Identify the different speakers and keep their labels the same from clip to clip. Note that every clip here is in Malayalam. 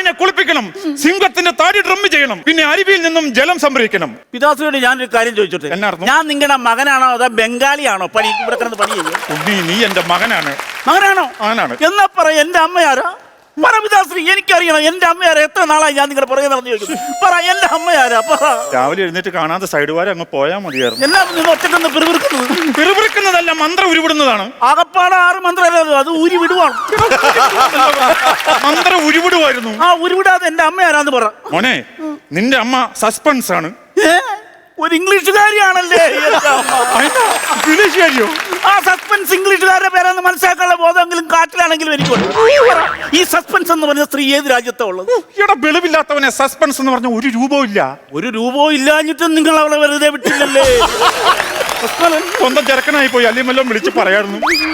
Speaker 1: ആടിനെ കുളിപ്പിക്കണം, സിംഹത്തിന്റെ താടി ഡ്രം ചെയ്യണം, പിന്നെ അരുവിയിൽ നിന്നും ജലം സംഭരിക്കണം.
Speaker 2: പിതാശ്രീയോട് ഞാനൊരു കാര്യം ചോദിച്ചോട്ടെ, ഞാൻ നിങ്ങളുടെ മകനാണോ അതോ ബംഗാളിയാണോ പണി ഇവിടെ കിടന്ന് പണി ചെയ്യുന്നത്?
Speaker 1: നീ എന്റെ മകനാണ്.
Speaker 2: മകനാണോ?
Speaker 1: മകനാണ്.
Speaker 2: എന്നാ പറ, എന്റെ അമ്മയാരാ? പറ പിതാശ്രീ, എനിക്കറിയണം എന്റെ അമ്മയാരാ. എത്ര നാളായി ഞാൻ നിങ്ങളുടെ പുറകെ നടന്നു ചോദിക്കും. പറ, എന്റെ അമ്മയാരാ? പറ.
Speaker 1: രാവിലെ എഴുന്നേറ്റ് കാണാതെ സൈഡ് വാരം അങ്ങ് പോയാൽ മതിയായിരുന്നു.
Speaker 2: എല്ലാം നിങ്ങൾ ഒറ്റക്കൊന്ന്
Speaker 1: പിറുപിറുക്കുന്നതല്ല, മന്ത്രം ഉരുവിടുന്നതാണ്.
Speaker 2: ആകപ്പാട് 6 മന്ത്രമല്ലോ, അത് ഊരി വിടുവാണ്.
Speaker 1: മന്ത്രം ഉരുവിടുവായിരുന്നു.
Speaker 2: ആ ഉരുവിടാതെ എന്റെ അമ്മയാരാന്ന് പറ.
Speaker 1: മോനെ, നിന്റെ അമ്മ സസ്പെൻസ് ആണ്.
Speaker 2: ഒരു ഇംഗ്ലീഷുകാരിയാണല്ലേ
Speaker 1: ഇംഗ്ലീഷുകാരിയോ?
Speaker 2: ആ സസ്പെൻസ് ഇംഗ്ലീഷുകാരുടെ പേരെന്ന് മനസ്സിലാക്കാനുള്ള ബോധമെങ്കിലും കാട്ടിലാണെങ്കിലും എനിക്കുണ്ട്. ഈ സസ്പെൻസ് എന്ന് പറഞ്ഞ സ്ത്രീ ഏത് രാജ്യത്താ ഉള്ളത്?
Speaker 1: ഇവിടെ വെളിവില്ലാത്തവനെ സസ്പെൻസ് എന്ന് പറഞ്ഞ ഒരു രൂപവും ഇല്ല.
Speaker 2: ഒരു രൂപവും ഇല്ലാഞ്ഞിട്ടും നിങ്ങൾ അവളെ വെറുതെ വിട്ടില്ലല്ലേ?
Speaker 1: സ്വന്തം ചെറുക്കനായി പോയി, അല്ലെങ്കിൽ വല്ലതും വിളിച്ച് പറയായിരുന്നു.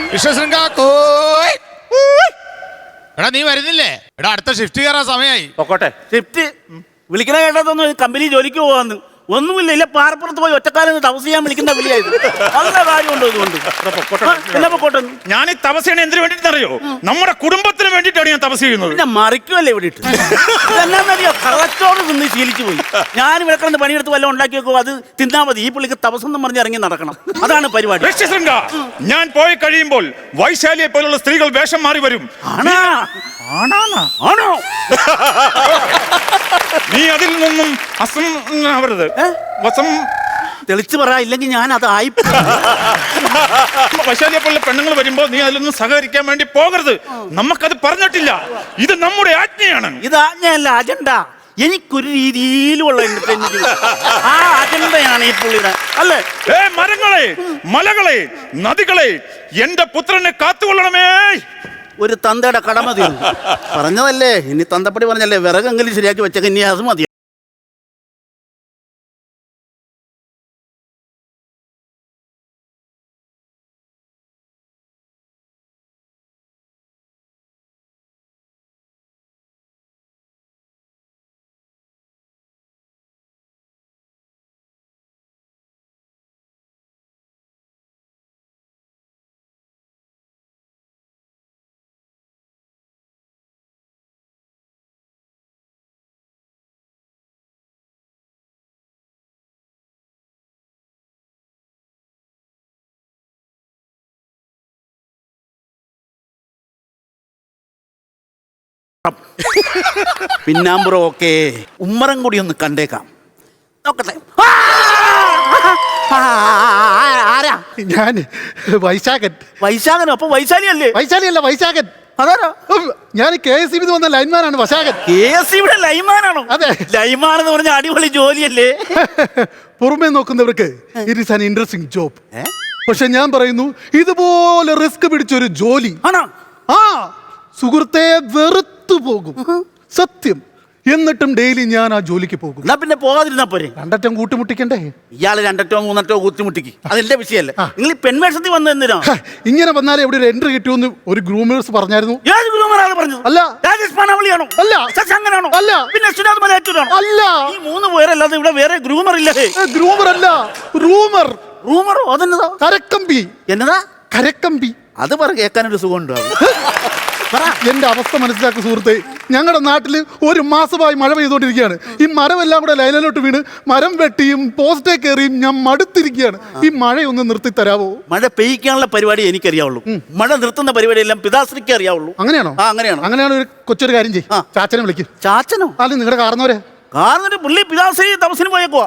Speaker 3: എടാ നീ വരുന്നില്ലേ? എടാ അടുത്ത ഷിഫ്റ്റ് കയറാൻ സമയമായി.
Speaker 1: പൊക്കോട്ടെ.
Speaker 2: ഷിഫ്റ്റ് വിളിക്കണ കേട്ടതൊന്നും കമ്പനി ജോലിക്ക് പോവാന്ന് ഒന്നുമില്ല. ഇല്ല പാറപ്പുറത്ത് പോയി ഒറ്റക്കാലം തപസ് ചെയ്യാൻ വിളിക്കുന്ന വിളിയായത്. നല്ല കാര്യമുണ്ടോ ഇതുകൊണ്ട്? എന്നാ പൊക്കോട്ടെ.
Speaker 1: ഞാൻ ഈ തപസ് ചെയ്യണ എന്തിനു വേണ്ടിയിട്ടറിയോ? നമ്മുടെ കുടുംബത്തിന് വേണ്ടിയിട്ടാണ് ഞാൻ തപസ് ചെയ്യുന്നത്.
Speaker 2: പിന്നെ മറിക്കുമല്ലേ ഇവിടെ ഇട്ട്. എന്നാന്നറിയോ, കള്ളച്ചോറ് തിന്ന് ശീലിച്ചു പോയി. ഞാൻ ഇവിടെ കിടന്ന് പണിയെടുത്ത് വല്ലതും ഉണ്ടാക്കി വെക്കുമോ, അത് തിന്നാ മതി. ഈ പുള്ളിക്ക് തപസ്സെന്നും പറഞ്ഞ് ഇറങ്ങി നടക്കണം. അതാണ് പരിപാടി.
Speaker 1: ഞാൻ പോയി കഴിയുമ്പോൾ വൈശാലിയെ പോലുള്ള സ്ത്രീകൾ വേഷം മാറി വരും.
Speaker 2: ആണോ?
Speaker 1: നീ അതിൽ നിന്നും ആവരുത്. വസം
Speaker 2: തെളിച്ചു പറ, ഇല്ലെങ്കിൽ ഞാൻ അത് ആയി.
Speaker 1: വൈശാലിയെ പോലുള്ള പെണ്ണുങ്ങൾ വരുമ്പോ നീ അതിലൊന്നും സഹകരിക്കാൻ വേണ്ടി പോകരുത്. നമുക്കത് പറഞ്ഞിട്ടില്ല. ഇത് നമ്മുടെ ആജ്ഞയാണ്.
Speaker 2: ഇത് ആജ്ഞയല്ല, അജണ്ട. എനിക്കൊരു രീതിയിലുള്ള ആ അജണ്ടയാണ് ഈ പുള്ളിയുടെ, അല്ലേ?
Speaker 1: മരങ്ങളെ, മലകളെ, നദികളെ, എന്റെ പുത്രനെ കാത്തുകൊള്ളണമേ.
Speaker 2: ഒരു തന്തയുടെ കടമ തീർന്നു. പറഞ്ഞതല്ലേ, ഇനി തന്തപ്പടി പറഞ്ഞല്ലേ, വിറകെങ്കിലും ശരിയാക്കി വെച്ചേക്ക്, ഇനി അത് മതി. പിന്നാമ്പുറം ഓക്കെ, ഉമ്മറം കൂടി ഒന്ന് കണ്ടേക്കാം. നോക്കട്ടെ. ആരാ?
Speaker 4: ഞാൻ വൈശാഖൻ.
Speaker 2: വൈശാഖനോ? അപ്പൊ വൈശാലി അല്ലേ?
Speaker 4: വൈശാലിയല്ല, വൈശാഖൻ.
Speaker 2: അതാരോ?
Speaker 4: ഞാൻ KSEB വന്ന ലൈൻമാനാണ് വൈശാഖൻ.
Speaker 2: KSEB ലൈൻമാനാണോ?
Speaker 4: അതെ.
Speaker 2: ലൈൻമാൻ എന്ന് പറഞ്ഞ അടിപൊളി ജോലിയല്ലേ?
Speaker 4: പുറമേ നോക്കുന്നവർക്ക് it is an interesting job. പക്ഷെ ഞാൻ പറയുന്നു, ഇതുപോലെ റിസ്ക് പിടിച്ചൊരു ജോലി
Speaker 2: ആണോ?
Speaker 4: ആ സുഹൃത്തെ വെറുത്തു പോകും, സത്യം. എന്നിട്ടും ഡെയിലി ഞാൻ ആ ജോലിക്ക് പോകും.
Speaker 2: എന്നാ പിന്നെ പോകാതിരുന്നാ പോരെ?
Speaker 4: 2 അറ്റം കൂട്ടിമുട്ടിക്കണ്ടേ?
Speaker 2: ഇയാള് 2 അറ്റോ 3 അറ്റോ കൂട്ടിമുട്ടിക്ക്, അതെന്റെ വിഷയല്ലേ. നിങ്ങൾ ഈ പെൺവേഷത്തിൽ വന്ന എന്തിനാ?
Speaker 4: ഇങ്ങനെ വന്നാലേ എവിടെ ഒരു എൻട്രി കിട്ടുമെന്ന് ഒരു ഗ്രൂമേഴ്സ് പറഞ്ഞായിരുന്നു.
Speaker 2: ഏത് ഗ്രൂമറാണ് പറഞ്ഞത്?
Speaker 4: അല്ല.
Speaker 2: രാജേഷ് പാനാവളിയാണോ?
Speaker 4: അല്ല.
Speaker 2: ശശാങ്കനാണോ?
Speaker 4: അല്ല.
Speaker 2: പിന്നെ സുനാഥ് മലയാറ്റൂരാണോ?
Speaker 4: അല്ല.
Speaker 2: ഈ 3 പേരല്ലാതെ ഇവിടെ വേറെ ഗ്രൂമർ ഇല്ലേ?
Speaker 4: ഗ്രൂമർ അല്ല, റൂമർ.
Speaker 2: റൂമറോ? അതെന്നതാ?
Speaker 4: കരക്കമ്പി.
Speaker 2: എന്നതാ?
Speaker 4: കരക്കമ്പി.
Speaker 2: അത് പറ, കേൾക്കാനൊരു സുഖം ഉണ്ടാവും.
Speaker 4: എന്റെ അവസ്ഥ മനസ്സിലാക്കുക സുഹൃത്തെ. ഞങ്ങളുടെ നാട്ടിൽ 1 മാസമായി മഴ പെയ്തുകൊണ്ടിരിക്കുകയാണ്. ഈ മരമെല്ലാം കൂടെ ലൈനിലോട്ട് വീണ് മരം വെട്ടിയും പോസ്റ്റേ കയറിയും ഞാൻ മടുത്തിരിക്കുകയാണ്. ഈ മഴയൊന്ന് നിർത്തി തരാവോ?
Speaker 2: മഴ പെയ്യിക്കാനുള്ള പരിപാടി എനിക്കറിയാവുള്ളൂ. മഴ നിർത്തുന്ന പരിപാടി എല്ലാം പിതാശ്രീക്ക് അറിയാവുള്ളൂ.
Speaker 4: അങ്ങനെയാണോ?
Speaker 2: അങ്ങനെയാണ്.
Speaker 4: ഒരു കൊച്ചൊരു കാര്യം ചെയ്യും, ചാച്ചനെ വിളിക്കും.
Speaker 2: ചാച്ചനോ?
Speaker 4: അല്ല, നിങ്ങളുടെ കാരണവരെ.
Speaker 2: കാരണവര് പുള്ളി പിതാശ്രീ തപസ്സിന് പോയേക്കുവാ.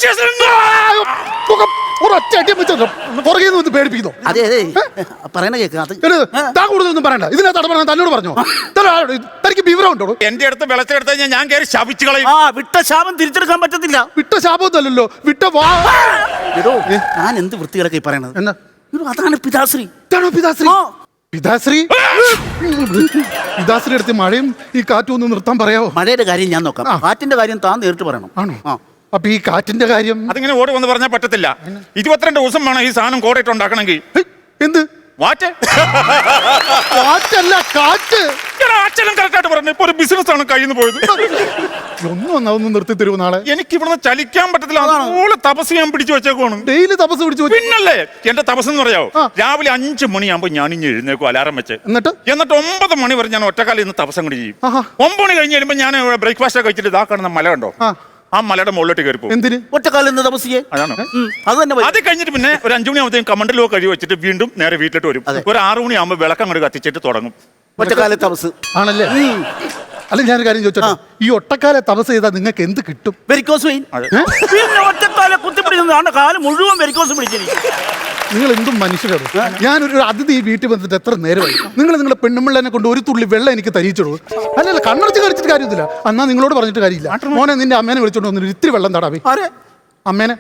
Speaker 4: പേടിപ്പിക്കുന്നു.
Speaker 2: അതെ അതെ, പറയണ കേൾക്കാം.
Speaker 4: കൂടുതലൊന്നും പറയണ്ട. ഇതിനകത്ത് പറഞ്ഞ തന്നോട് പറഞ്ഞോ? തനിക്ക് വിവരം ഉണ്ടോ?
Speaker 1: എന്റെ അടുത്ത് വെളച്ചെടുത്ത് കഴിഞ്ഞാൽ ഞാൻ കയറി ശപിച്ചു കളയും.
Speaker 2: വിട്ട ശാപം തിരിച്ചെടുക്കാൻ പറ്റത്തില്ല.
Speaker 4: വിട്ട ശാപമൊന്നുമല്ലല്ലോ, വിട്ട വാ.
Speaker 2: ഞാൻ എന്ത് വൃത്തികളൊക്കെ പറയണത്?
Speaker 4: എന്നാ
Speaker 2: അതാണ് പിതാശ്രീ.
Speaker 4: പിതാശ്രീ പിതാശ്രീ പിതാശ്രീ അടുത്ത് മഴയും ഈ കാറ്റും ഒന്ന് നിർത്താൻ പറയാവോ?
Speaker 2: മഴയുടെ കാര്യം ഞാൻ നോക്കാം, കാറ്റിന്റെ കാര്യം താൻ നേരിട്ട് പറയണം.
Speaker 4: ആണോ? അപ്പൊ ഈ കാറ്റിന്റെ കാര്യം
Speaker 1: അതിങ്ങനെ ഓടി വന്ന് പറഞ്ഞാൽ പറ്റത്തില്ല. 22 ദിവസം വേണം ഈ സാധനം കോടയിട്ട് ഉണ്ടാക്കണമെങ്കിൽ.
Speaker 4: എന്ത്
Speaker 1: വാറ്റ്
Speaker 4: കാറ്റല്ല കാറ്റ്.
Speaker 1: അച്ഛനും കറക്റ്റായിട്ട് പറഞ്ഞു. ഇപ്പൊ ഒരു ബിസിനസ് ആണ് കയ്യിൽ നിന്ന് പോയത്.
Speaker 4: ഒന്നും നിർത്തി തരുമോ നാളെ?
Speaker 1: എനിക്ക് ഇവിടുന്ന് ചലിക്കാൻ പറ്റത്തില്ല. അതുപോലെ തപസ് ഞാൻ പിടിച്ചു വെച്ചേക്കുവാണ്.
Speaker 4: ഡെയിലി തപസ് പിടിച്ചു വെച്ചു.
Speaker 1: പിന്നല്ലേ എന്റെ തപസ് എന്ന് പറയാവോ, രാവിലെ 5 മണിയാകുമ്പോ ഞാൻ ഇനി എഴുന്നേക്കും അലാറം വെച്ച്. എന്നിട്ട് 9 മണി വരെ ഞാൻ ഒറ്റക്കാലം ഇന്ന് തപസം കൂടി ചെയ്യും. 9 മണി കഴിഞ്ഞ് വരുമ്പോ ഞാൻ ബ്രേക്ക്ഫാസ്റ്റ് ഒക്കെ കഴിച്ചിട്ട് ഇതാ കാണുന്ന മല കണ്ടോ, ആ മലയുടെ മുകളിലോട്ട് കയറി പോകും.
Speaker 4: എന്തിന്?
Speaker 2: ഒറ്റക്കാലം തപസ് ചെയ്യാൻ.
Speaker 1: അതാണ്.
Speaker 2: അത് തന്നെ
Speaker 1: അത് കഴിഞ്ഞിട്ട് പിന്നെ ഒരു 5 മണിയാകുമ്പോഴത്തേക്കും കമണ്ടലോ കഴിവ് വെച്ചിട്ട് വീണ്ടും നേരെ വീട്ടിലോട്ട് വരും. ഒരു 6 മണിയാകുമ്പോൾ വിളക്കം അങ്ങോട്ട് കത്തിച്ചിട്ട് തുടങ്ങും
Speaker 2: ഒറ്റക്കാല തപസ്.
Speaker 4: ആണല്ലേ? അല്ല ഞാനൊരു കാര്യം ചോദിച്ചോട്ടെ, ഈ ഒറ്റക്കാലെ തപസ് ചെയ്താൽ നിങ്ങൾക്ക് എന്ത് കിട്ടും?
Speaker 2: Varicose vein. പിന്നെ ഒറ്റക്കാലെ കുത്തിപ്പിടിക്കുന്ന കാലം മുഴുവൻ വെരിക്കോസ് പിടിച്ചിരിക്കും.
Speaker 4: നിങ്ങൾ എന്തും മനുഷ്യരാണ്. ഞാനൊരു അതിഥി ഈ വീട്ടിൽ വന്നിട്ട് എത്ര നേരമായി. നിങ്ങളുടെ പെണ്ണുമ്പിള്ളനെ കൊണ്ട് ഒരു തുള്ളി വെള്ളം എനിക്ക് തരിച്ചിടൂ. അല്ലല്ല കണ്ണടച്ച് കളിച്ചിട്ട് കാര്യമില്ല. എന്നാ നിങ്ങളോട് പറഞ്ഞിട്ട് കാര്യമില്ല. മോനെ നിന്റെ അമ്മേനെ വിളിച്ചോണ്ട് വന്നിട്ട് ഇത്തിരി വെള്ളം തടാവേ. അമ്മേനെ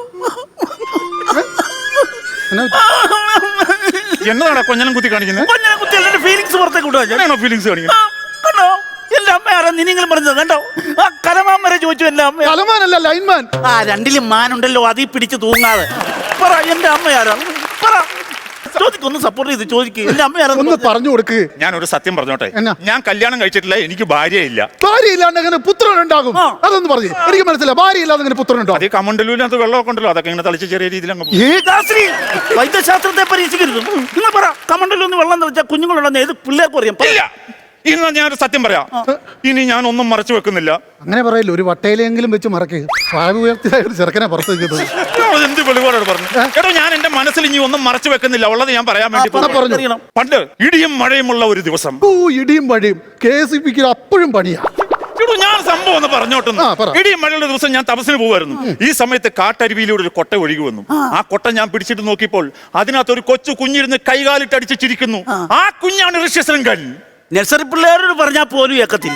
Speaker 1: എന്നതാണ് കൊഞ്ഞനം കുത്തി കാണിക്കുന്നത്?
Speaker 2: ഫീലിങ്സ് പുറത്തേക്ക് വിടുവാ.
Speaker 1: ഫീലിങ്സ് കാണിക്കുന്നത്
Speaker 2: കണ്ടോ? എന്റെ അമ്മ ആരാ നിങ്ങൾ പറഞ്ഞത് കണ്ടോ? ആ കലമാൻ വരെ ചോദിച്ചു എന്റെ അമ്മ.
Speaker 4: കലമാനല്ല ലൈൻമാൻ.
Speaker 2: ആ രണ്ടിലും മാനുണ്ടല്ലോ, അതീ പിടിച്ച് തൂങ്ങാതെ പറ എന്റെ അമ്മ ആരാ? പറ, ചോദിക്കൊന്ന് സപ്പോർട്ട് ചെയ്ത് ചോദിക്കുക. എന്റെ അമ്മ ആരാ?
Speaker 4: ഒന്ന് പറഞ്ഞു കൊടുക്ക്.
Speaker 1: ഞാനൊരു സത്യം പറഞ്ഞോട്ടെ,
Speaker 4: എന്നാ?
Speaker 1: ഞാൻ കല്യാണം കഴിച്ചിട്ടില്ല, എനിക്ക് ഭാര്യയില്ല.
Speaker 4: ഭാര്യയില്ലാണ്ട് എങ്ങനെ പുത്രൻ ഉണ്ടാകും? അതൊന്ന് പറഞ്ഞു എനിക്ക് മനസ്സിലായി. ഭാര്യയില്ലാതെ എങ്ങനെ പുത്രൻ ഉണ്ടാകും?
Speaker 1: അതേ കമണ്ടലൂരിനകത്ത് വെള്ളമൊക്കെ ഉണ്ടല്ലോ, അതൊക്കെ ഇങ്ങനെ തളിച്ച് ചെറിയ രീതിയിൽ അങ്ങ് പോകും.
Speaker 2: വൈദ്യശാസ്ത്രത്തെ പരീക്ഷിക്കരുത്. നിങ്ങൾ പറ, കമണ്ടലൊന്ന് വെള്ളം തെളിച്ചാൽ കുഞ്ഞുങ്ങളുണ്ടെന്ന് ഏത് പിള്ളേർക്കും അറിയാം.
Speaker 1: ഇല്ല, ഇന്ന് ഞാനൊരു സത്യം പറയാം. ഇനി ഞാൻ ഒന്നും മറച്ചു വെക്കുന്നില്ല.
Speaker 4: അങ്ങനെ പറയില്ല, ഒരു വട്ടയിലെങ്കിലും വെച്ച് മറക്കുക. ഭാവി ഉയർത്തിയ ഒരു ചെറുക്കനെ പുറത്ത് വെക്കുന്നത്
Speaker 1: എന്ത് വെളിപാടോട് പറഞ്ഞു. എടോ, ഞാൻ എന്റെ മനസ്സിൽ ഇനി ഒന്നും മറച്ചു വെക്കുന്നില്ല, ഉള്ളത് ഞാൻ പറയാൻ വേണ്ടി
Speaker 4: പറഞ്ഞു.
Speaker 1: പണ്ട് ഇടിയും മഴയുമുള്ള ഒരു ദിവസം.
Speaker 4: ഇടിയും മഴയും KCBക്ക് അപ്പോഴും പണിയാ.
Speaker 1: ഞാൻ സംഭവം ഒന്ന് പറഞ്ഞോട്ടുന്നു. ഇടിയും മഴയുള്ള ദിവസം ഞാൻ തപസ്സിന് പോകുമായിരുന്നു. ഈ സമയത്ത് കാട്ടരുവിയിലൂടെ ഒരു കൊട്ട ഒഴുകി വന്നു. ആ കൊട്ട ഞാൻ പിടിച്ചിട്ട് നോക്കിയപ്പോൾ അതിനകത്ത് ഒരു കൊച്ചു കുഞ്ഞിരുന്ന് കൈകാലിട്ട് അടിച്ച് ചിരിക്കുന്നു. ആ കുഞ്ഞാണ് ഋഷ്യശൃംഖൻ.
Speaker 2: നഴ്സറി പിള്ളേരോട് പറഞ്ഞാൽ പോലും ഏക്കത്തില്ല.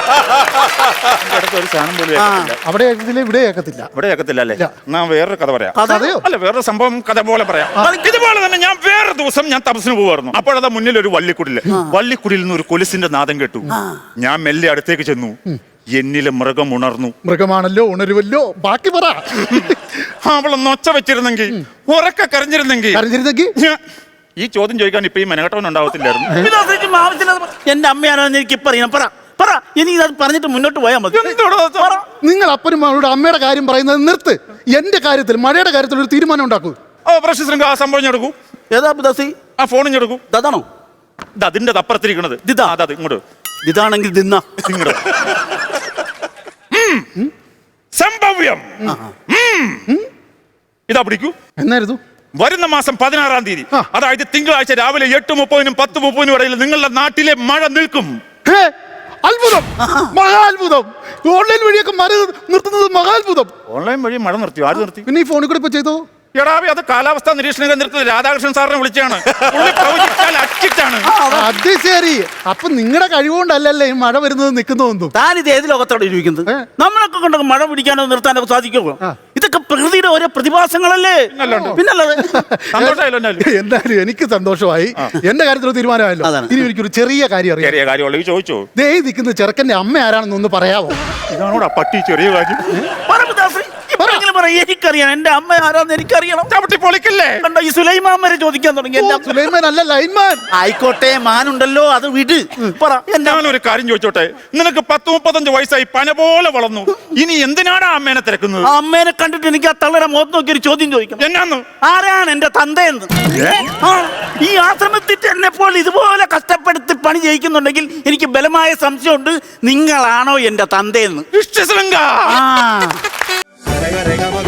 Speaker 4: അവിടെ ഏക്കത്തില്ല, ഇവിടെ ഏക്കത്തില്ല.
Speaker 1: ഇവിടെ ഏക്കത്തില്ല അല്ലേ? ഞാൻ വേറൊരു കഥ പറയാം. അല്ല, വേറൊരു സംഭവം കഥ പോലെ പറയാം. ഇതുപോലെ തന്നെ ഞാൻ വേറെ ദിവസം ഞാൻ തപസ്സിന് പോകുമായിരുന്നു. അപ്പോഴതാ മുന്നിൽ ഒരു വള്ളിക്കുടില്. വള്ളിക്കുടിയിൽ നിന്ന് ഒരു കൊലുസിന്റെ നാദം കേട്ടു. ഞാൻ മെല്ലെ അടുത്തേക്ക് ചെന്നു. എന്നിലെ മൃഗം ഉണർന്നു.
Speaker 4: മൃഗമാണല്ലോ, ഉണരുവല്ലോ. ബാക്കി പറ.
Speaker 1: അവളൊന്ന് ഒച്ച വെച്ചിരുന്നെങ്കിൽ, ഉറക്കെ കരഞ്ഞിരുന്നെങ്കിൽ. ഈ ചോദ്യം ചോദിക്കാൻ ഇപ്പൊ ഈ മെനകെട്ടവൻ ഉണ്ടാവത്തില്ലായിരുന്നു.
Speaker 2: എന്റെ അമ്മയാണെന്ന് എനിക്ക് പറയണം. പറ പറ, ഇനി അത് പറഞ്ഞിട്ട് മുന്നോട്ട് പോയാൽ മതി.
Speaker 4: നിങ്ങൾ അപ്പനും അവരുടെ അമ്മയുടെ കാര്യം പറയുന്നത് നിർത്ത്. എന്റെ കാര്യത്തിൽ, മഴയുടെ കാര്യത്തിൽ ഒരു തീരുമാനം ഉണ്ടാക്കൂ.
Speaker 1: ഋഷ്യശൃംഖ ആ സംഭവം ഞെടുക്കൂ.
Speaker 2: ഏതാ ദാസി?
Speaker 1: ആ ഫോണും ഞെടുക്കൂ.
Speaker 2: അതാണോ?
Speaker 1: അതിന്റെ അപ്പുറത്തിരിക്കണത് ഇങ്ങോട്ട്.
Speaker 2: ഇതാണെങ്കിൽ ദിന്ന
Speaker 1: ഇങ്ങോട്ട്. സംഭവ്യം. ഇതാ പിടിക്കൂ.
Speaker 4: എന്നായിരുന്നു?
Speaker 1: വരുന്ന മാസം 16-ാം തീയതി, അതായത് തിങ്കളാഴ്ച രാവിലെ 8:30-നും 10:30-നും ഇടയിൽ നിങ്ങളുടെ നാട്ടിലെ മഴ നിൽക്കും.
Speaker 4: അത്ഭുതം, മഹാത്ഭുതം. ഓൺലൈൻ വഴിയൊക്കെ മഴ നിർത്തുന്നത് മഹാത്ഭുതം.
Speaker 1: ഓൺലൈൻ വഴി മഴ നിർത്തി? ആര് നിർത്തി?
Speaker 4: പിന്നെ ഈ ഫോണിൽ കൂടെ ഇപ്പൊ ചെയ്തോ?
Speaker 1: എടാവി, അത് കാലാവസ്ഥാ നിരീക്ഷണ കേന്ദ്രത്തിൽ രാധാകൃഷ്ണൻ സാറിനെ വിളിച്ചാണ്.
Speaker 4: അത് ശരി. അപ്പൊ നിങ്ങളുടെ കഴിവുകൊണ്ടല്ലേ ഈ മഴ വരുന്നത് നിൽക്കുന്നതൊന്നും.
Speaker 2: താനിത് ഏത് ലോകത്തോടെ ഇരിക്കുന്നത്? നമ്മളൊക്കെ കൊണ്ട് മഴ പിടിക്കാനോ നിർത്താനോ സാധിക്കുമോ? ഇതൊക്കെ പ്രകൃതിയുടെ ഓരോ പ്രതിഭാസങ്ങളല്ലേ. പിന്നല്ലാതെ.
Speaker 4: എന്തായാലും എനിക്ക് സന്തോഷമായി. എന്റെ കാര്യത്തിൽ തീരുമാനമായല്ലോ. ഇനി എനിക്കൊരു ചെറിയ കാര്യം അറിയാം.
Speaker 1: ചോദിച്ചോ?
Speaker 4: ദേ നിൽക്കുന്ന ചെറുക്കന്റെ അമ്മ ആരാണെന്ന് ഒന്ന് പറയാമോ?
Speaker 1: ഇതാണോടാ പട്ടി ചെറിയ കാര്യം.
Speaker 2: എനിക്കറിയാം എന്റെ അമ്മ ആരാന്ന് എനിക്കറിയണം.
Speaker 1: ചവിട്ടി പൊളിക്കല്ലേ?
Speaker 2: കണ്ടോ, ഈ സുലൈമാൻ വരെ ചോദിക്കാൻ തുടങ്ങി.
Speaker 4: സുലൈമാൻ അല്ല, ലൈൻമാൻ.
Speaker 2: ആയിക്കോട്ടെ, മാനുണ്ടല്ലോ, അത് വിട്. പറ.
Speaker 1: ഞാനൊരു കാര്യം ചോദിച്ചോട്ടെ, നിനക്ക് 10-35 വയസ്സായി, പന പോലെ വളർന്നു. ഇനി എന്തിനാണ് അമ്മേനെ തിരക്കുന്നത്?
Speaker 2: അമ്മേനെ കണ്ടിട്ട് എനിക്ക് ആ തള്ളയുടെ മുഖത്ത് നോക്കി ഒരു ചോദ്യം ചോദിക്കണം.
Speaker 1: എന്നാന്ന്?
Speaker 2: ആരാണ് എന്റെ തന്തയെന്ന്? ഈ ആശ്രമത്തിൽ എന്നെ പോലെ ഇതുപോലെ കഷ്ടപ്പെടുത്തി പണി ചെയ്യിക്കുന്നുണ്ടെങ്കിൽ എനിക്ക് ബലമായ സംശയമുണ്ട്, നിങ്ങളാണോ എന്റെ തന്തയെന്ന്.
Speaker 1: ഋഷ്യശൃംഖ.